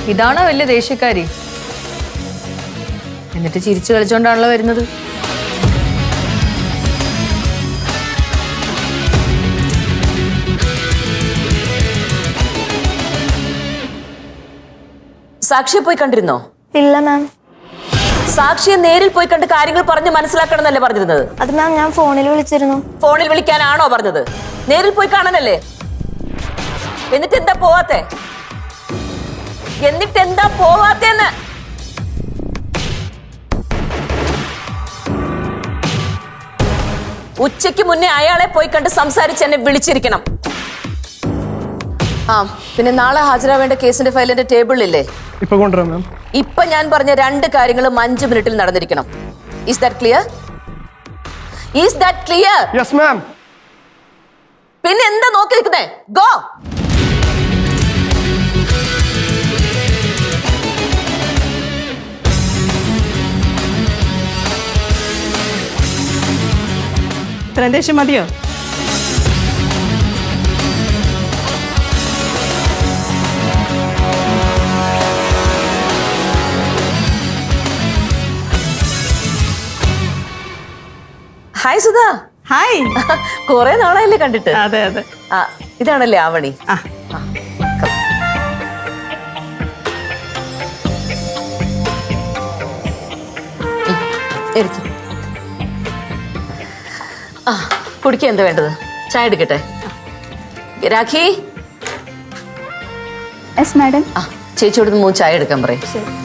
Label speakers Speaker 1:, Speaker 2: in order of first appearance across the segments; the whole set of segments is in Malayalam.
Speaker 1: ഇതാണോ വലിയ ദേഷ്യക്കാരി? എന്നിട്ട് ചിരിച്ചു കളിച്ചോണ്ടാണല്ലോ വരുന്നത്.
Speaker 2: സാക്ഷിയെ പോയി കണ്ടിരുന്നോ?
Speaker 3: ഇല്ല മാം.
Speaker 2: സാക്ഷിയെ നേരിൽ പോയി കണ്ട് കാര്യങ്ങൾ പറഞ്ഞ് മനസ്സിലാക്കണം എന്നല്ലേ പറഞ്ഞിരുന്നത്?
Speaker 3: അത് മാം ഞാൻ ഫോണിൽ വിളിച്ചിരുന്നു.
Speaker 2: ഫോണിൽ വിളിക്കാനാണോ പറഞ്ഞത്? നേരിൽ പോയി കാണാനല്ലേ? എന്നിട്ട് എന്താ പോവാത്തെ? പോവാത്തേന്ന്? ഉച്ചയ്ക്ക് മുന്നേ അയാളെ പോയി കണ്ട് സംസാരിച്ച് എന്നെ വിളിച്ചിരിക്കണം. ആ പിന്നെ നാളെ ഹാജരാവേണ്ട കേസിന്റെ ഫയലിന്റെ ടേബിളിലില്ലേ?
Speaker 4: ഇപ്പൊ കൊണ്ടുവരാം മാം.
Speaker 2: ഇപ്പൊ ഞാൻ പറഞ്ഞ 2 കാര്യങ്ങളും 5 മിനിറ്റിൽ നടന്നിരിക്കണം. Is that clear? Is that clear?
Speaker 4: Yes ma'am.
Speaker 2: പിന്നെ എന്താ നോക്കി നിൽക്കുന്നേ? ഗോ.
Speaker 5: ഇത്രയും ദേഷ്യം മതിയോ?
Speaker 2: ഹായ് സുധ.
Speaker 5: ഹായ്.
Speaker 2: കുറെ നാളായല്ലേ കണ്ടിട്ട്?
Speaker 5: അതെ അതെ.
Speaker 2: ആ ഇതാണല്ലേ ആവണി?
Speaker 5: ആ
Speaker 2: ആ കുടിക്കാൻ എന്താ വേണ്ടത്? ചായ എടുക്കട്ടെ? രാഖി.
Speaker 3: Yes madam.
Speaker 2: ആ ചേച്ചിയോട് 3 ചായ എടുക്കാൻ പറയും.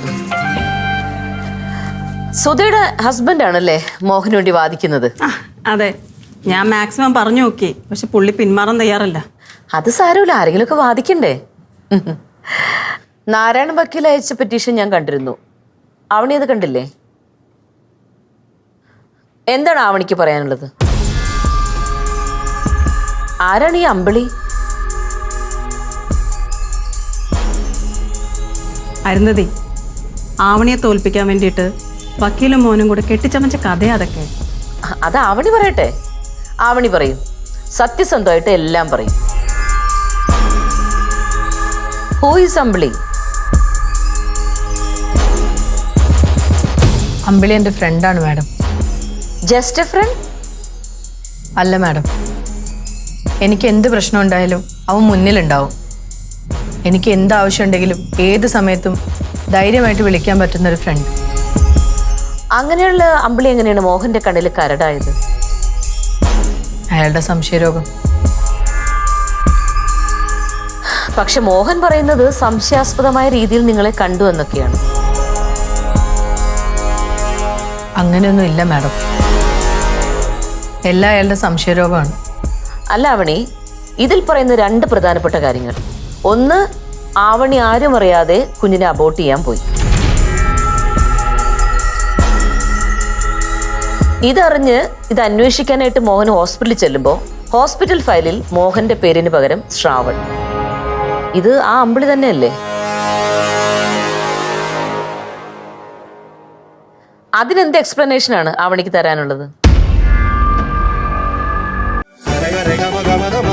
Speaker 2: സുധയുടെ ഹസ്ബൻഡ് ആണല്ലേ മോഹന് വേണ്ടി വാദിക്കുന്നത്?
Speaker 5: അതെ, ഞാൻ മാക്സിമം പറഞ്ഞു നോക്കി, പക്ഷെ പുള്ളി പിന്മാറാൻ തയ്യാറല്ല.
Speaker 2: അത് സാരമില്ല, ആരെങ്കിലും ഒക്കെ വാദിക്കണ്ടേ? നാരായണ വക്കീൽ അയച്ച പെറ്റീഷൻ ഞാൻ കണ്ടിരുന്നു. ആവണി അത് കണ്ടില്ലേ? എന്താണ് ആവണിക്ക് പറയാനുള്ളത്? ആരാണ് ഈ അമ്പിളി?
Speaker 5: അരുന്നതി, ആവണിയെ തോൽപ്പിക്കാൻ വേണ്ടിയിട്ട് വക്കീലും മോനും കൂടെ കെട്ടിച്ചമച്ച കഥയാ അതൊക്കെ.
Speaker 2: അത് ആവണി പറയട്ടെ. ആവണി പറയും, സത്യസന്ധമായിട്ട് എല്ലാം പറയും. ഹൂ ഈസ് അമ്പിളി?
Speaker 1: അമ്പിളി എൻ്റെ ഫ്രണ്ടാണ് മാഡം.
Speaker 2: Just a friend?
Speaker 1: അല്ല മാഡം, എനിക്ക് എന്ത് പ്രശ്നം ഉണ്ടായാലും അവൻ മുന്നിലുണ്ടാവും. എനിക്ക് എന്ത് ആവശ്യം ഉണ്ടെങ്കിലും ഏത് സമയത്തും ധൈര്യമായിട്ട് വിളിക്കാൻ പറ്റുന്നൊരു ഫ്രണ്ട്.
Speaker 2: അങ്ങനെയുള്ള അമ്പിളി എങ്ങനെയാണ് മോഹന്റെ കണ്ണിൽ കരടായത്?
Speaker 1: അയാളുടെ സംശയരോഗം.
Speaker 2: പക്ഷെ മോഹൻ പറയുന്നത് സംശയാസ്പദമായ രീതിയിൽ നിങ്ങളെ കണ്ടു എന്നൊക്കെയാണ്.
Speaker 1: അങ്ങനെയൊന്നും ഇല്ല മാഡം, എല്ലാം അയാളുടെ സംശയരോഗമാണ്.
Speaker 2: അല്ല ആവണി, ഇതിൽ പറയുന്ന 2 പ്രധാനപ്പെട്ട കാര്യങ്ങൾ. ഒന്ന്, ആവണി ആരും അറിയാതെ കുഞ്ഞിനെ അബോർട്ട് ചെയ്യാൻ പോയി. ഇതറിഞ്ഞ് ഇത് അന്വേഷിക്കാനായിട്ട് മോഹൻ ഹോസ്പിറ്റലിൽ ചെല്ലുമ്പോൾ ഹോസ്പിറ്റൽ ഫയലിൽ മോഹന്റെ പേരിന് പകരം ശ്രാവൺ. ഇത് ആ അമ്പിളി തന്നെയല്ലേ? അതിനെന്ത് എക്സ്പ്ലനേഷൻ ആണ് ആവണിക്ക് തരാനുള്ളത്?